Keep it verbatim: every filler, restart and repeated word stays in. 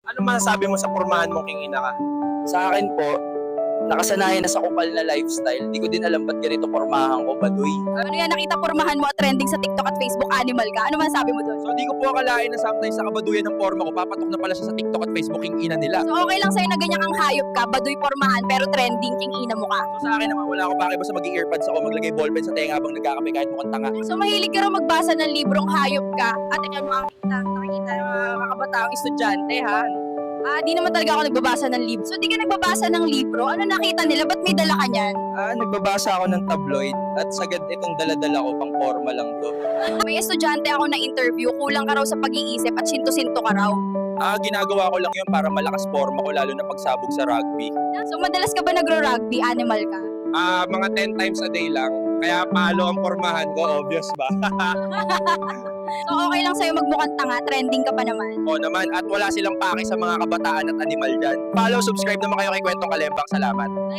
Ano masasabi mo sa pormahan mong king ina ka? Sa akin po, nakasanayan na sa kupal na lifestyle. Di ko din alam ba't ganito pormahan ko, baduy. Ano yan, nakita pormahan mo at trending sa TikTok at Facebook, animal ka? Ano masasabi mo doon? So di ko po akalain na sometimes sa kabaduyan ng porma ko, papatok na pala siya sa TikTok at Facebook king ina nila. So okay lang sa'yo na ganyan kang hayop ka, baduy pormahan, pero trending king ina mo ka. So sa akin naman, wala ako pake basta mag-earpads ako, maglagay ballpen sa tenga habang nagkakape kahit mukhang tanga. So mahilig ka raw magbasa ng librong hayop ka. At ikaw mo ang kita, nakikita ng mga kakabataang estudyante ha. Ah, di naman talaga ako nagbabasa ng libro. So di ka nagbabasa ng libro? Ano nakita nila? Ba't may dala ka niyan? Ah, nagbabasa ako ng tabloid at sagad itong daladala ko, pang forma lang to. May estudyante ako na interview, kulang ka raw sa pag-iisip at sinto-sinto ka raw. Ah, ginagawa ko lang yun para malakas forma ko lalo na pagsabog sa rugby. So madalas ka ba nagro-rugby? Animal ka? Ah, mga ten times a day lang. Kaya palo ang pormahan ko, obvious ba? So okay lang sa'yo magmukhang tanga, trending ka pa naman. O naman, at wala silang pake sa mga kabataan at animal dyan. Follow, subscribe naman kayo kay Kwentong Kalembang. Salamat.